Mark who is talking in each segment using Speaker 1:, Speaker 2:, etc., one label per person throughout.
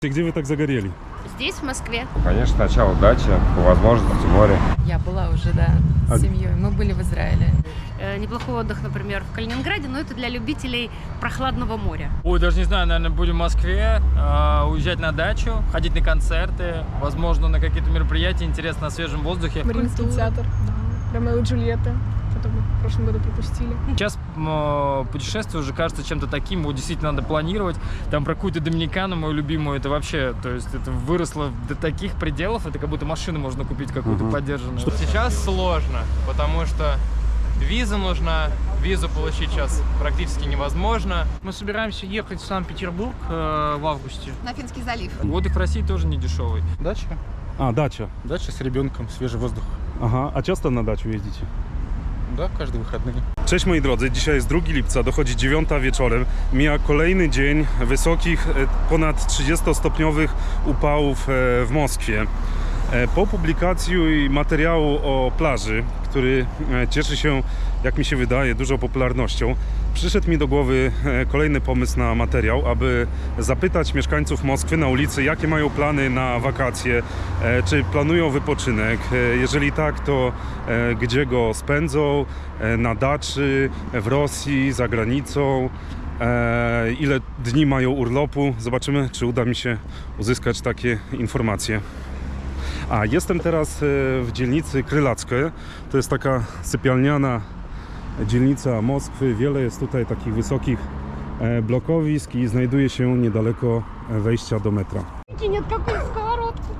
Speaker 1: Где вы так загорели?
Speaker 2: Здесь, в Москве.
Speaker 3: Конечно, сначала дача, по возможности море.
Speaker 4: Я была уже, да, с семьей. Мы были в Израиле.
Speaker 2: Неплохой отдых, например, в Калининграде, но это для любителей прохладного моря.
Speaker 5: Ой, даже не знаю, наверное, будем в Москве, уезжать на дачу, ходить на концерты, возможно, на какие-то мероприятия, интересно, на свежем воздухе.
Speaker 6: Мариинский театр, Ромео и Джульетта, который мы в прошлом году пропустили.
Speaker 5: Сейчас путешествие уже кажется чем-то таким, вот действительно надо планировать. Там про какую-то Доминикану, мою любимую, это вообще, то есть это выросло до таких пределов, это как будто машину можно купить какую-то поддержанную.
Speaker 7: Сейчас сложно, потому что виза нужна, визу получить сейчас практически невозможно.
Speaker 8: Мы собираемся ехать в Санкт-Петербург в августе.
Speaker 4: На Финский залив.
Speaker 5: Отдых в России тоже не дешевый.
Speaker 9: Дача.
Speaker 1: Дача.
Speaker 9: Дача с ребенком, свежий воздух.
Speaker 1: Aha, a часто на дачу jeździcie?
Speaker 9: Да, каждые wychodnie.
Speaker 1: Cześć moi drodzy, dzisiaj jest 2 lipca, dochodzi 9 wieczorem. Mija kolejny dzień wysokich, ponad 30-stopniowych upałów w Moskwie. Po publikacji materiału o plaży, który cieszy się, jak mi się wydaje, dużą popularnością, przyszedł mi do głowy kolejny pomysł na materiał, aby zapytać mieszkańców Moskwy na ulicy, jakie mają plany na wakacje, czy planują wypoczynek, jeżeli tak, to gdzie go spędzą, na daczy, w Rosji, za granicą, ile dni mają urlopu. Zobaczymy, czy uda mi się uzyskać takie informacje. Jestem teraz w dzielnicy Krylackie. To jest taka sypialniana dzielnica Moskwy. Wiele jest tutaj takich wysokich blokowisk i znajduje się niedaleko wejścia do metra.
Speaker 2: Нет, какую сковородку.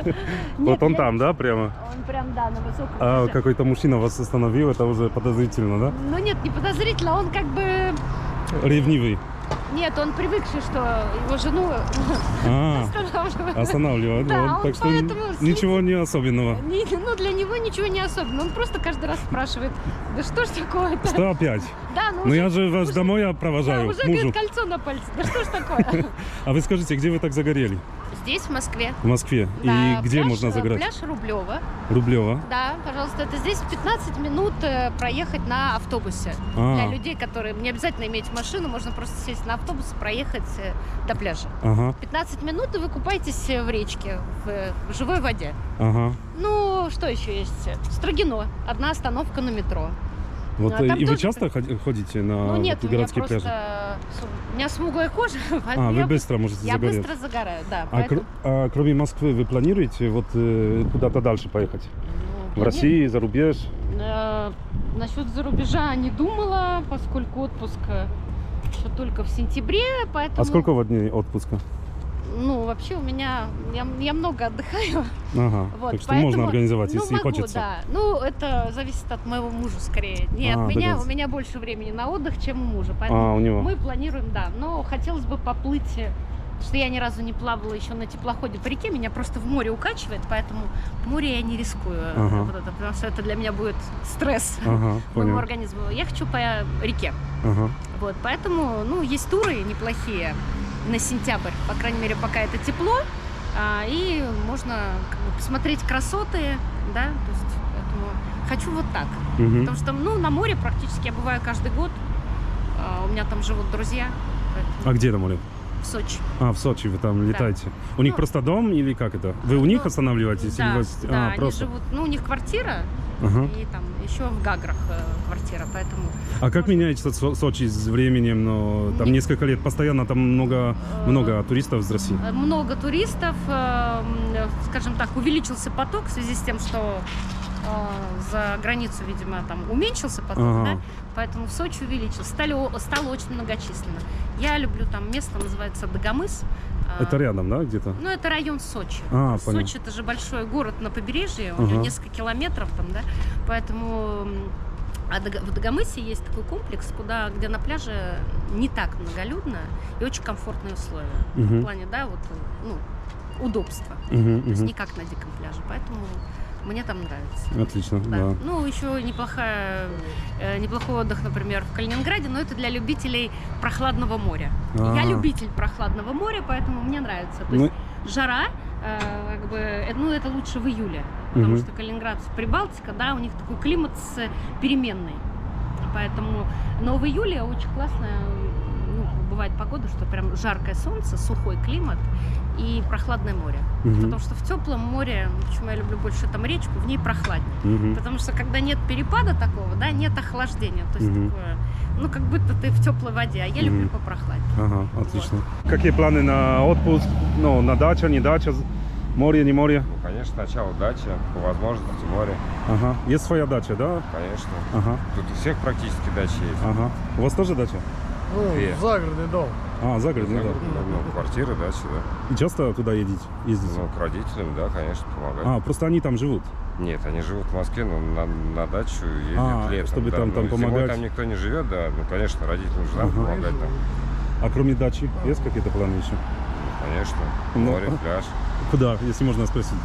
Speaker 1: Вот он там, да, прямо?
Speaker 2: Он прям, да, на высоком.
Speaker 1: Какой-то мужчина вас остановил, это уже подозрительно, да?
Speaker 2: Ну нет, не подозрительно, он как бы...
Speaker 1: Ревнивый.
Speaker 2: Нет, он привыкший, что его жену останавливают.
Speaker 1: Останавливает.
Speaker 2: Да,
Speaker 1: вот,
Speaker 2: он
Speaker 1: так что
Speaker 2: поэтому
Speaker 1: ничего не особенного.
Speaker 2: Ну, для него ничего не особенно. Он просто каждый раз спрашивает, да что ж такое-то?
Speaker 1: Что опять?
Speaker 2: Да,
Speaker 1: Ну я же вас домой
Speaker 2: Да,
Speaker 1: провожаю,
Speaker 2: уже,
Speaker 1: мужу.
Speaker 2: говорит, кольцо на пальце. Да что ж такое?
Speaker 1: А вы скажите, где вы так загорели?
Speaker 2: Здесь, в Москве.
Speaker 1: В Москве.
Speaker 2: Да,
Speaker 1: И где
Speaker 2: пляж,
Speaker 1: можно загорать?
Speaker 2: Пляж Рублево.
Speaker 1: Рублево.
Speaker 2: Да, пожалуйста, это здесь 15 минут проехать на автобусе. Для людей, которые не обязательно иметь машину, можно просто сесть на автобус и проехать до пляжа. 15 минут, и вы купаетесь в речке, в живой воде. Ну, что еще есть? Строгино. Одна остановка на метро.
Speaker 1: Вот, и вы часто ходите на
Speaker 2: нет,
Speaker 1: городские
Speaker 2: у меня
Speaker 1: пляжи?
Speaker 2: У меня смуглая кожа, поэтому
Speaker 1: вы быстро можете загореть.
Speaker 2: Я быстро загораю, да.
Speaker 1: Кроме Москвы вы планируете вот куда-то дальше поехать? В России, за рубеж?
Speaker 2: Насчет за рубежа не думала, поскольку отпуск еще только в сентябре, поэтому...
Speaker 1: А сколько вот дней отпуска?
Speaker 2: Ну, вообще у меня... Я много отдыхаю.
Speaker 1: Вот, так что поэтому, можно организовать, если
Speaker 2: могу,
Speaker 1: хочется.
Speaker 2: Да. Ну, это зависит от моего мужа скорее. Не от меня. У меня больше времени на отдых, чем у мужа. Поэтому
Speaker 1: у него.
Speaker 2: Мы планируем, да. Но хотелось бы поплыть, потому что я ни разу не плавала еще на теплоходе по реке. Меня просто в море укачивает, поэтому в море я не рискую. Вот это, потому что это для меня будет стресс моему организму. Я хочу по реке. Вот, поэтому, ну, есть туры неплохие на сентябрь, по крайней мере, пока это тепло, и можно как бы посмотреть красоты, да, то есть поэтому хочу вот так, потому что, ну, на море практически я бываю каждый год, у меня там живут друзья.
Speaker 1: А где на море?
Speaker 2: В Сочи.
Speaker 1: В Сочи вы там летаете? У них просто дом или как это? Вы у них останавливаетесь?
Speaker 2: Да,
Speaker 1: или вас...
Speaker 2: да,
Speaker 1: просто?
Speaker 2: они живут, ну, у них квартира, и там еще в Гаграх квартира, поэтому...
Speaker 1: А как меняется Сочи с временем? Ну, там несколько лет, постоянно там много туристов из России?
Speaker 2: Много туристов, скажем так, увеличился поток в связи с тем, что за границу, видимо, там уменьшился поток, да? Поэтому в Сочи увеличился, стало очень многочисленно. Я люблю там место, называется Дагомыс.
Speaker 1: Это рядом, да, где-то?
Speaker 2: Ну, это район Сочи. Сочи — это же большой город на побережье, у него несколько километров там, да, поэтому... А в Дагомысе есть такой комплекс, где на пляже не так многолюдно и очень комфортные условия. В плане, да, вот, ну, удобства. То есть не как на диком пляже, поэтому... Мне там нравится.
Speaker 1: Отлично, да.
Speaker 2: Ну, еще неплохой отдых, например, в Калининграде, но это для любителей прохладного моря. Я любитель прохладного моря, поэтому мне нравится. То есть жара, как бы, ну, это лучше в июле, потому что Калининград, Прибалтика, да, у них такой климат переменный. Поэтому, но в июле очень классно, ну, бывает погода, что прям жаркое солнце, сухой климат и прохладное море.
Speaker 1: Мгм.
Speaker 2: Потому что в теплом море, почему я люблю больше там речку, в ней прохладнее.
Speaker 1: Мгм.
Speaker 2: Потому что когда нет перепада такого, да, нет охлаждения. То есть
Speaker 1: Мгм.
Speaker 2: такое, ну как будто ты в теплой воде, а я люблю
Speaker 1: Мгм.
Speaker 2: попрохладнее.
Speaker 1: Ага, отлично. Какие планы на отпуск? Ну, на дача, не дача, море, не море?
Speaker 3: Ну, конечно, сначала дача, по возможности море.
Speaker 1: Ага. Есть своя дача, да?
Speaker 3: Конечно.
Speaker 1: Ага,
Speaker 3: Тут у всех практически дачи есть.
Speaker 1: ага. У вас тоже дача?
Speaker 3: Две.
Speaker 8: Загородный дом.
Speaker 1: А, загородный, да.
Speaker 3: Ну, квартиры, дачи, да.
Speaker 1: И часто туда ездите?
Speaker 3: Ну, к родителям, да, конечно, помогать.
Speaker 1: А, просто они там живут.
Speaker 3: Нет, они живут в Москве, но на дачу ездят
Speaker 1: А,
Speaker 3: летом.
Speaker 1: чтобы
Speaker 3: да.
Speaker 1: там
Speaker 3: Ну, зимой
Speaker 1: помогать.
Speaker 3: там никто не живет, да. Ну, конечно, родителям же надо
Speaker 1: Ага.
Speaker 3: помогать там.
Speaker 1: А кроме дачи, есть какие-то планы еще?
Speaker 3: Конечно.
Speaker 1: Ну,
Speaker 3: Море, пляж.
Speaker 1: Куда, если можно спросить?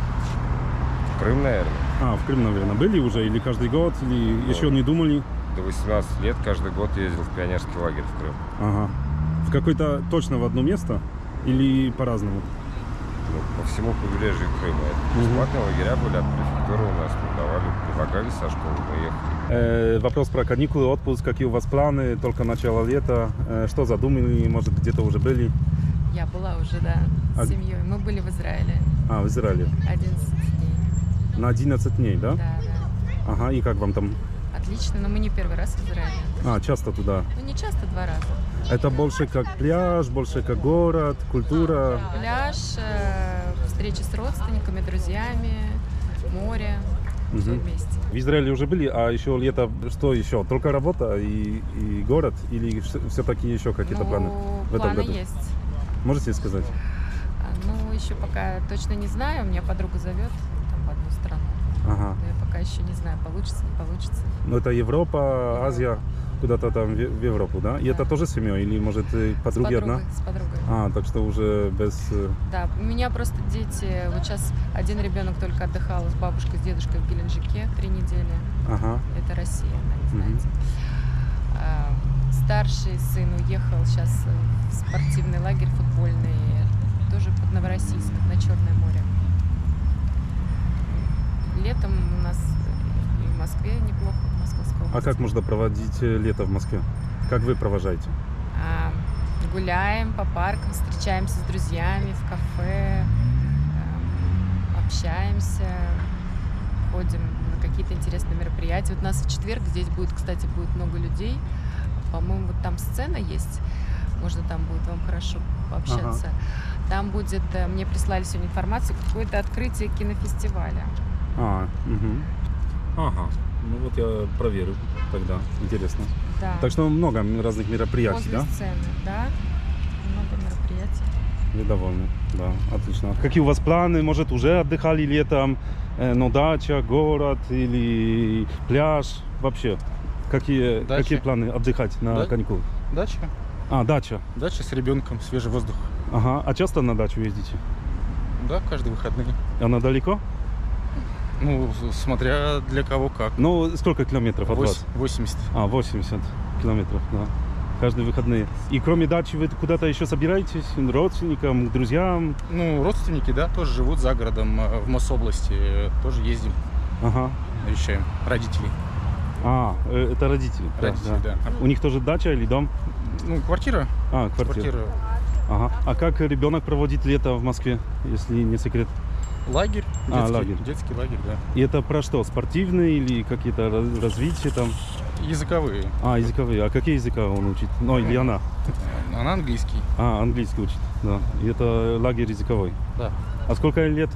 Speaker 3: Крым, наверное.
Speaker 1: А, в Крым, наверное. Были уже? Или каждый год? Или еще не думали?
Speaker 3: До 18 лет каждый год ездил в пионерский лагерь в Крым.
Speaker 1: Ага. В какое-то точно в одно место? Или по-разному?
Speaker 3: Ну, по всему побережью Крыма. Это бесплатные лагеря были от префектуры у нас. Мы давали, предлагали со школы, мы ехали.
Speaker 1: Вопрос про каникулы, отпуск. Какие у вас планы? Только начало лета. Что задумали? Может, где-то уже были?
Speaker 4: Я была уже, да,
Speaker 1: А-
Speaker 4: с семьей. Мы были в Израиле
Speaker 1: А, в Израиле.
Speaker 4: 11 дней.
Speaker 1: На 11 дней, да?
Speaker 4: Да, да.
Speaker 1: Ага, и как вам там?
Speaker 4: Отлично, но мы не первый раз в Израиле.
Speaker 1: А, часто туда.
Speaker 4: Ну, не часто, 2 раза.
Speaker 1: Это больше как пляж, больше как город, культура.
Speaker 4: Пляж, встречи с родственниками, друзьями, море, все
Speaker 1: Мгм.
Speaker 4: вместе.
Speaker 1: В Израиле уже были, а еще лето, что еще? Только работа и город? Или все-таки еще какие-то планы в этом
Speaker 4: планы
Speaker 1: году?
Speaker 4: есть.
Speaker 1: Можете сказать?
Speaker 4: Ну, еще пока точно не знаю. У меня подруга зовет там в одну страну.
Speaker 1: Ага.
Speaker 4: Но я пока еще не знаю, получится, не получится.
Speaker 1: Ну, это Европа, Азия, куда-то там в Европу, да? И
Speaker 4: Да.
Speaker 1: это тоже с семьей? Или, может, подруги одна?
Speaker 4: С подругой.
Speaker 1: А, так что уже без...
Speaker 4: Да, у меня просто дети. Вот сейчас один ребенок только отдыхал с бабушкой, с дедушкой в Геленджике 3 недели.
Speaker 1: Ага.
Speaker 4: Это Россия, да, не
Speaker 1: Мгм.
Speaker 4: знаете. Старший сын уехал сейчас в спортивный лагерь футбольный, тоже под Новороссийск, на Черное море. Летом у нас и в Москве неплохо, в Московской области.
Speaker 1: А как можно проводить лето в Москве? Как вы провожаете?
Speaker 4: Гуляем по паркам, встречаемся с друзьями в кафе, общаемся, ходим на какие-то интересные мероприятия. Вот у нас в четверг здесь будет, кстати, будет много людей. По-моему, вот там сцена есть, можно там будет вам хорошо пообщаться. Там будет, мне прислали сегодня информацию, какое-то открытие кинофестиваля.
Speaker 1: А, угу. Ага. Ну вот я проверю тогда. Интересно.
Speaker 4: Да.
Speaker 1: Так что много разных мероприятий,
Speaker 4: Возле
Speaker 1: да?
Speaker 4: сцены, да. Много мероприятий.
Speaker 1: Вы довольны? Да, отлично. Какие у вас планы? Может, уже отдыхали летом? Ну, дача, город или пляж? Вообще, какие
Speaker 9: Дача.
Speaker 1: планы отдыхать на
Speaker 9: Да.
Speaker 1: каникулы?
Speaker 9: Дача.
Speaker 1: А, дача.
Speaker 9: Дача с ребенком, свежий воздух.
Speaker 1: Ага. А часто на дачу ездите?
Speaker 9: Да, каждые выходные.
Speaker 1: Она далеко?
Speaker 9: Ну, смотря для кого как.
Speaker 1: Ну, сколько километров от вас?
Speaker 9: 80.
Speaker 1: А, 80 километров, да. Каждые выходные. И кроме дачи вы куда-то еще собираетесь? Родственникам, друзьям?
Speaker 9: Ну, родственники, да, тоже живут за городом, в Мособласти. Тоже ездим,
Speaker 1: Ага.
Speaker 9: навещаем родителей.
Speaker 1: А, это родители. Да,
Speaker 9: Родители, да.
Speaker 1: У них тоже дача или дом?
Speaker 9: Ну, квартира.
Speaker 1: А, квартира.
Speaker 9: Квартира.
Speaker 1: Ага. А как ребенок проводит лето в Москве, если не секрет?
Speaker 9: Лагерь.
Speaker 1: А,
Speaker 9: Детский,
Speaker 1: лагерь.
Speaker 9: детский лагерь, да.
Speaker 1: И это про что? Спортивные или какие-то развития там?
Speaker 9: Языковые.
Speaker 1: А, языковые. А какие языка он учит? Ну, или она?
Speaker 9: Она английский.
Speaker 1: А, английский учит, да. И это лагерь языковой.
Speaker 9: Да.
Speaker 1: А сколько лет?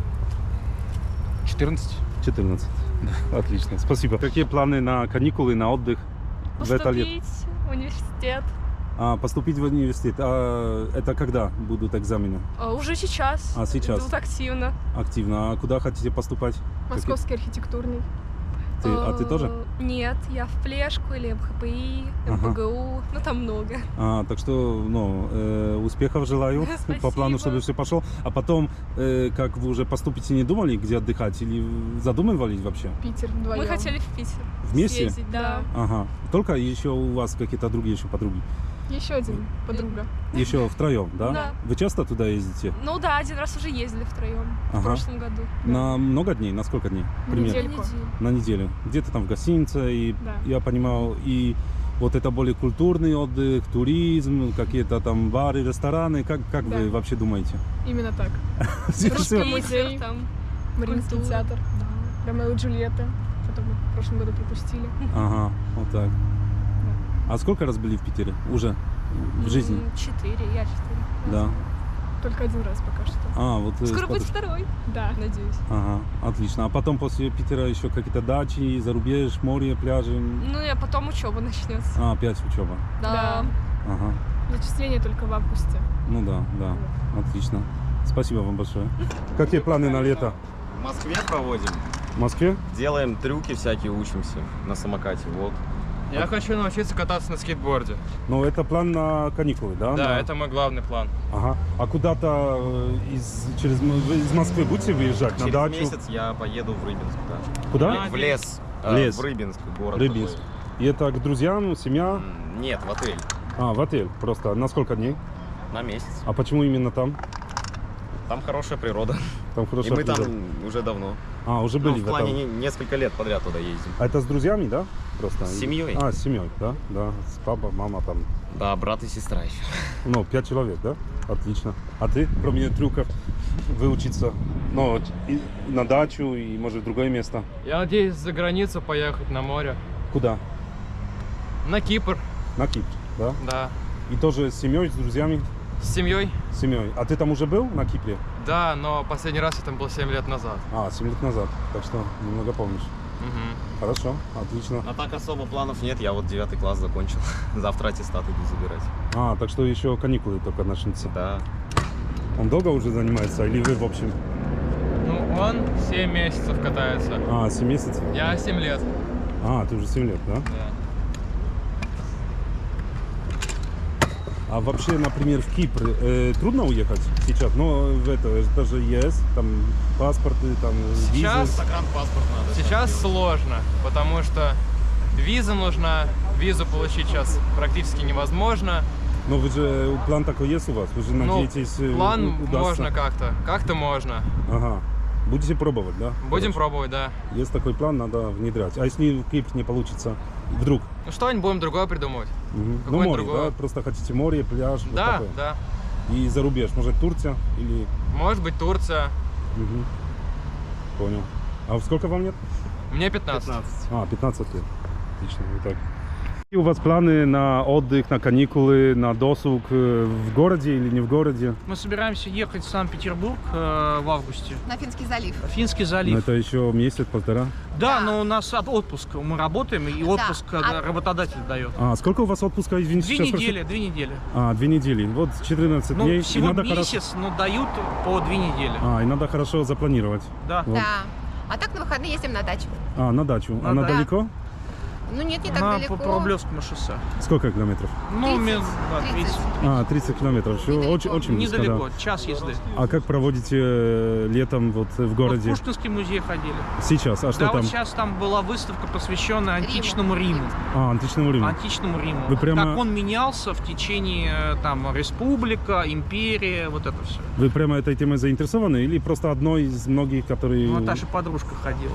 Speaker 9: 14.
Speaker 1: 14. Отлично, спасибо. Какие планы на каникулы, на отдых в это лето?
Speaker 6: Поступить в университет.
Speaker 1: А, поступить в университет. А это когда будут экзамены?
Speaker 6: Уже сейчас.
Speaker 1: А, сейчас?
Speaker 6: Идут активно.
Speaker 1: Активно. А куда хотите поступать?
Speaker 6: Московский архитектурный.
Speaker 1: А ты тоже?
Speaker 6: Нет, я в Плешку или МХПИ,
Speaker 1: Ага.
Speaker 6: МПГУ. Ну, там много.
Speaker 1: Так что, успехов желаю по
Speaker 6: Спасибо.
Speaker 1: плану, чтобы все пошло. А потом, как вы уже поступите, не думали, где отдыхать? Или задумывались вообще?
Speaker 6: Питер вдвоем.
Speaker 10: Мы хотели в Питер
Speaker 1: Вместе?
Speaker 10: съездить, да.
Speaker 1: Ага. Только еще у вас какие-то другие еще подруги?
Speaker 6: Еще один подруга.
Speaker 1: Еще втроем, да?
Speaker 10: Да.
Speaker 1: Вы часто туда ездите?
Speaker 10: Ну да, один раз уже ездили втроем в
Speaker 1: Ага.
Speaker 10: прошлом году.
Speaker 1: На много дней? На сколько дней? Примерно?
Speaker 6: Недельку.
Speaker 1: На неделю. Где-то там в гостинице, и
Speaker 6: Да.
Speaker 1: я понимал, и Вот это более культурный отдых, туризм, какие-то там бары, рестораны. Как
Speaker 6: Да.
Speaker 1: вы вообще думаете?
Speaker 6: Именно так.
Speaker 1: Всё-
Speaker 6: Русский
Speaker 1: всё-
Speaker 6: музей,
Speaker 10: там.
Speaker 6: Мариинский
Speaker 10: культура.
Speaker 6: театр, Ромео и Джульетта, который мы в прошлом году пропустили.
Speaker 1: Ага, вот так. А сколько раз были в Питере уже в жизни?
Speaker 10: 4, я 4.
Speaker 1: Да.
Speaker 6: Только один раз пока что.
Speaker 1: А, вот.
Speaker 10: Скоро
Speaker 1: с
Speaker 10: будет
Speaker 1: подружкой.
Speaker 10: второй,
Speaker 6: Да.
Speaker 10: надеюсь.
Speaker 1: Ага, отлично. А потом после Питера еще какие-то дачи, зарубеж, море, пляжи.
Speaker 10: Ну и потом учеба начнется.
Speaker 1: А, опять учеба.
Speaker 10: Да.
Speaker 1: Ага.
Speaker 6: Зачисление только в августе.
Speaker 1: Ну да, да. Отлично. Спасибо вам большое. Какие планы на лето?
Speaker 11: В Москве проводим.
Speaker 1: В Москве?
Speaker 11: Делаем трюки всякие, учимся на самокате. Вот.
Speaker 7: Я хочу научиться кататься на скейтборде.
Speaker 1: Ну, это план на каникулы, да?
Speaker 7: Да,
Speaker 1: На-
Speaker 7: это мой главный план.
Speaker 1: Ага. А куда-то вы из Москвы будете выезжать на
Speaker 11: Через
Speaker 1: дачу?
Speaker 11: месяц я поеду в Рыбинск, да.
Speaker 1: Куда?
Speaker 11: В лес.
Speaker 1: В лес.
Speaker 11: В Рыбинск, город.
Speaker 1: Рыбинск. И это к друзьям, семья?
Speaker 11: такой. Нет, в отель.
Speaker 1: А, в отель просто. На сколько дней?
Speaker 11: На месяц.
Speaker 1: А почему именно там?
Speaker 11: Там хорошая природа.
Speaker 1: Там
Speaker 11: И
Speaker 1: хорошая
Speaker 11: мы там
Speaker 1: природа.
Speaker 11: уже давно.
Speaker 1: А, уже
Speaker 11: Ну,
Speaker 1: были
Speaker 11: в
Speaker 1: в
Speaker 11: плане
Speaker 1: этом.
Speaker 11: несколько лет подряд туда ездим.
Speaker 1: А это с друзьями, да? Просто?
Speaker 11: С семьей.
Speaker 1: А, с семьей, да? Да. С папой, мама там.
Speaker 11: Да, брат и сестра еще.
Speaker 1: Ну, 5 человек, да? Отлично. А ты, кроме трюков, выучиться, ну, вот, и на дачу и, может, в другое место?
Speaker 7: Я надеюсь за границу поехать на море.
Speaker 1: Куда?
Speaker 7: На Кипр,
Speaker 1: На Кипр, да?
Speaker 7: да.
Speaker 1: И тоже с семьей, с друзьями?
Speaker 7: С семьей?
Speaker 1: С семьей. А ты там уже был на Кипре?
Speaker 7: Да, но последний раз я там был 7 лет назад.
Speaker 1: А, 7 лет назад. Так что немного помнишь.
Speaker 7: Мгм.
Speaker 1: Хорошо, отлично.
Speaker 11: А так особо планов нет. Я вот 9 класс закончил. Завтра аттестат иду забирать.
Speaker 1: А, так что еще каникулы только начнутся.
Speaker 11: Да.
Speaker 1: Он долго уже занимается или вы в общем?
Speaker 7: Ну, он 7 месяцев катается.
Speaker 1: А, 7 месяцев?
Speaker 7: Я 7 лет.
Speaker 1: А, ты уже 7 лет, да?
Speaker 7: Да.
Speaker 1: А вообще, например, в Кипр трудно уехать сейчас? Но это же ЕС, там паспорты, там
Speaker 7: Сейчас,
Speaker 1: визы.
Speaker 11: Загранпаспорт надо.
Speaker 7: сейчас сложно, потому что виза нужна. Визу получить сейчас практически невозможно.
Speaker 1: Но вы же, план такой есть у вас? Вы же
Speaker 7: Ну,
Speaker 1: надеетесь,
Speaker 7: план
Speaker 1: удастся?
Speaker 7: можно как-то. Как-то можно.
Speaker 1: Ага. Будете пробовать, да?
Speaker 7: Будем
Speaker 1: Хорошо.
Speaker 7: пробовать, да.
Speaker 1: Есть такой план, надо внедрять. А если в Кипр не получится, вдруг?
Speaker 7: Ну что-нибудь будем другое придумывать.
Speaker 1: Мгм. Ну,
Speaker 7: Какое-нибудь
Speaker 1: море,
Speaker 7: другое.
Speaker 1: да? Просто хотите море, пляж, вот
Speaker 7: Да,
Speaker 1: такое.
Speaker 7: да.
Speaker 1: И за рубеж, может, Турция или...
Speaker 7: Может быть, Турция.
Speaker 1: Мгм. Понял. А сколько вам лет?
Speaker 7: Мне 15.
Speaker 1: А, 15 лет. Отлично, итак. И у вас планы на отдых, на каникулы, на досуг в городе или не в городе?
Speaker 8: Мы собираемся ехать в Санкт-Петербург в августе.
Speaker 10: На Финский залив.
Speaker 8: Финский
Speaker 1: Ну,
Speaker 8: залив.
Speaker 1: это еще месяц-полтора.
Speaker 8: Да, но у нас отпуск. Мы работаем, и отпуск
Speaker 10: А-
Speaker 8: работодатель дает.
Speaker 1: А сколько у вас отпуска, извините?
Speaker 8: 2
Speaker 1: сейчас
Speaker 8: недели, 2 недели.
Speaker 1: А, 2 недели. Вот 14
Speaker 8: Ну,
Speaker 1: дней.
Speaker 8: всего
Speaker 1: и надо
Speaker 8: месяц, но дают по 2 недели.
Speaker 1: А, и надо хорошо запланировать.
Speaker 8: Да.
Speaker 1: Вот.
Speaker 10: Да. А так на выходные ездим на дачу.
Speaker 1: А, на дачу.
Speaker 8: На
Speaker 1: Она
Speaker 8: дачу.
Speaker 1: далеко?
Speaker 10: Ну нет, не так
Speaker 8: На,
Speaker 10: далеко.
Speaker 8: по Рублевскому шоссе.
Speaker 1: Сколько километров?
Speaker 8: Ну,
Speaker 10: 30.
Speaker 8: да, 30.
Speaker 1: А, 30 километров. Еще
Speaker 10: Недалеко.
Speaker 1: очень, очень близко,
Speaker 8: Недалеко,
Speaker 1: да.
Speaker 8: час езды.
Speaker 1: А как проводите летом вот в
Speaker 8: Вот в
Speaker 1: городе?
Speaker 8: Пушкинский музей ходили.
Speaker 1: Сейчас? А что
Speaker 8: Да,
Speaker 1: там?
Speaker 8: вот сейчас там была выставка, посвященная античному Риму.
Speaker 1: А, античному Риму.
Speaker 8: Античному Риму.
Speaker 1: Вы прямо-
Speaker 8: Как он менялся в течение там республика, империя, вот это все.
Speaker 1: Вы прямо этой темой заинтересованы или просто одной из многих, которые...
Speaker 8: Наташа подружка ходила.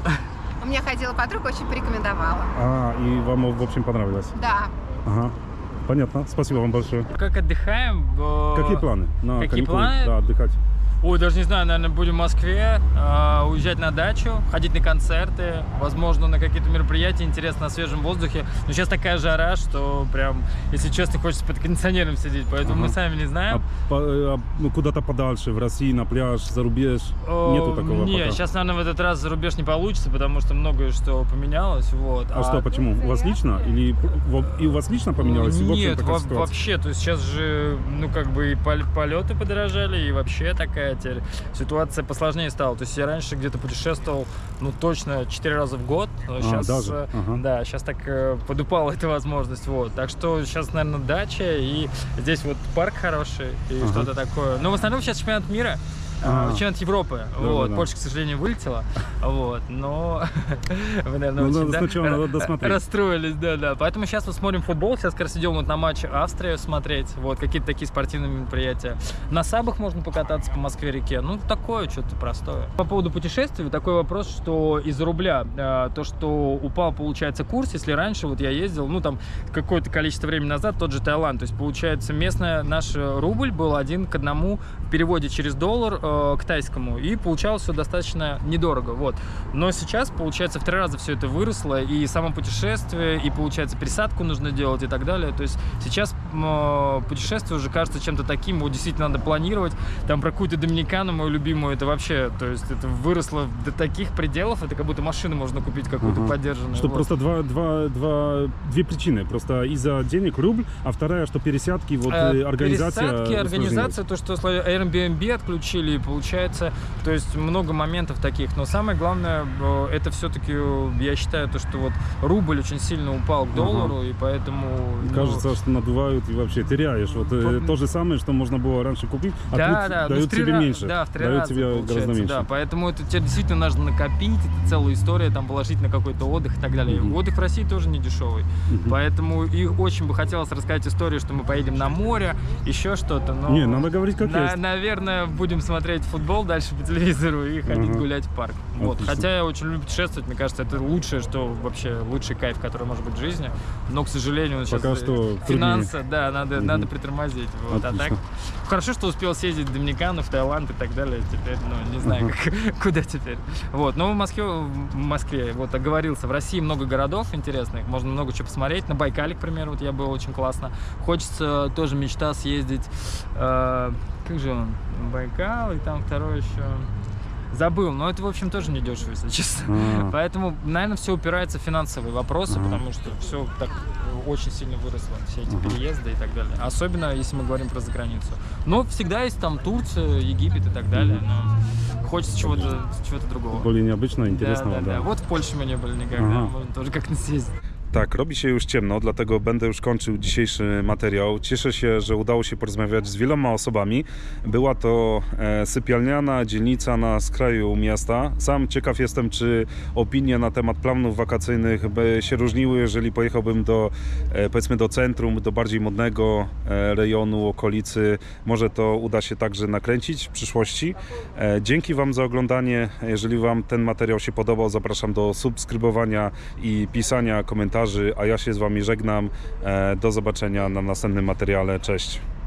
Speaker 10: У меня ходила подруга, очень порекомендовала.
Speaker 1: А, и вам, в общем, понравилось?
Speaker 10: Да.
Speaker 1: Ага. Понятно. Спасибо вам большое.
Speaker 5: Как отдыхаем?
Speaker 1: Какие планы на
Speaker 5: Какие
Speaker 1: каникулы?
Speaker 5: планы?
Speaker 1: Да, отдыхать.
Speaker 5: Ой, даже не знаю, наверное, будем в Москве, уезжать на дачу, ходить на концерты, возможно, на какие-то мероприятия, интересно, на свежем воздухе. Но сейчас такая жара, что прям, если честно, хочется под кондиционером сидеть, поэтому
Speaker 1: Ага.
Speaker 5: мы сами не знаем.
Speaker 1: Ну, куда-то подальше, в России, на пляж, за рубеж? Нету такого
Speaker 5: Не,
Speaker 1: пока?
Speaker 5: сейчас, наверное, в этот раз за рубеж не получится, потому что многое что поменялось, вот.
Speaker 1: А что, почему? У вас лично? Или и у вас лично поменялось? И, в общем,
Speaker 5: Нет,
Speaker 1: такая ситуация?
Speaker 5: вообще, то есть сейчас же, ну, как бы и полеты подорожали, и вообще такая теперь ситуация посложнее стала. То есть я раньше где-то путешествовал, ну, точно 4 раза в год, но сейчас,
Speaker 1: даже? Ага.
Speaker 5: да, сейчас так подупала эта возможность, вот. Так что сейчас, наверное, дача, и здесь вот парк хороший, и
Speaker 1: Ага.
Speaker 5: что-то такое. Но в основном сейчас чемпионат мира, Чемпионат Европы. Вот. Польша, к сожалению, вылетела. Вот. Но вы, наверное, очень расстроились. Да. Поэтому сейчас вот смотрим футбол. Сейчас как раз идем вот на матч Австрии смотреть. Вот. Какие-то такие спортивные мероприятия. На сабах можно покататься по Москве-реке. Ну, такое что-то простое. По поводу путешествий такой вопрос, что из-за рубля то, что упал, получается, курс. Если раньше вот я ездил, ну, там, какое-то количество времени назад, тот же Таиланд. То есть, получается, местный наш рубль был 1 к 1 в переводе через доллар к тайскому, и получалось все достаточно недорого, вот. Но сейчас, получается, в 3 раза все это выросло, и само путешествие, и, получается, пересадку нужно делать и так далее. То есть сейчас путешествие уже кажется чем-то таким, вот действительно надо планировать. Там про какую-то Доминикану, мою любимую, это вообще, то есть это выросло до таких пределов, это как будто машину можно купить какую-то подержанную.
Speaker 1: Что
Speaker 5: вот.
Speaker 1: просто две причины. Просто из-за денег рубль, а вторая, что пересадки, вот
Speaker 5: организация, то, что Airbnb отключили, и получается, то есть много моментов таких. Но самое главное, это все-таки, я считаю, то, что вот рубль очень сильно упал к доллару, и поэтому...
Speaker 1: Кажется, что надувают и вообще теряешь. Вот то же самое, что можно было раньше купить, а тут дают тебе меньше.
Speaker 5: Да, в 3
Speaker 1: дают
Speaker 5: раза,
Speaker 1: тебе гораздо меньше.
Speaker 5: Да, поэтому это тебе действительно нужно накопить, это целая история, там, положить на какой-то отдых и так далее. Отдых в России тоже не дешевый. Поэтому и очень бы хотелось рассказать историю, что мы поедем на море, еще что-то. Но
Speaker 1: не, надо говорить как есть.
Speaker 5: Наверное, будем смотреть футбол дальше по телевизору и ходить гулять в парк. Вот. Хотя я очень люблю путешествовать, мне кажется, это лучшее, что вообще лучший кайф, который может быть в жизни. Но, к сожалению, сейчас финансы, да, надо притормозить. Вот. А так хорошо, что успел съездить в Доминикану, в Таиланд и так далее. Теперь, ну, не знаю, куда теперь. Вот. Но в Москве, вот оговорился, в России много городов интересных, можно много чего посмотреть. На Байкале, к примеру, вот я был, очень классно. Хочется, тоже мечта съездить, как же он, Байкал, и там второй еще... Забыл, но это, в общем, тоже не дешево, если честно. Поэтому, наверное, все упирается в финансовые вопросы, потому что все так очень сильно выросло, все эти переезды и так далее. Особенно, если мы говорим про заграницу. Но всегда есть там Турция, Египет и так далее, но хочется чего-то другого.
Speaker 1: Более необычного, интересного,
Speaker 5: да. Вот в Польше мы не были никогда, можно тоже как-то съездить.
Speaker 1: Tak, robi się już ciemno, dlatego będę już kończył dzisiejszy materiał. Cieszę się, że udało się porozmawiać z wieloma osobami. Była to sypialniana dzielnica na skraju miasta. Sam ciekaw jestem, czy opinie na temat planów wakacyjnych by się różniły, jeżeli pojechałbym do, powiedzmy, do centrum, do bardziej modnego rejonu, okolicy. Może to uda się także nakręcić w przyszłości. Dzięki Wam za oglądanie. Jeżeli Wam ten materiał się podobał, zapraszam do subskrybowania i pisania komentarzy. A ja się z Wami żegnam. Do zobaczenia na następnym materiale. Cześć.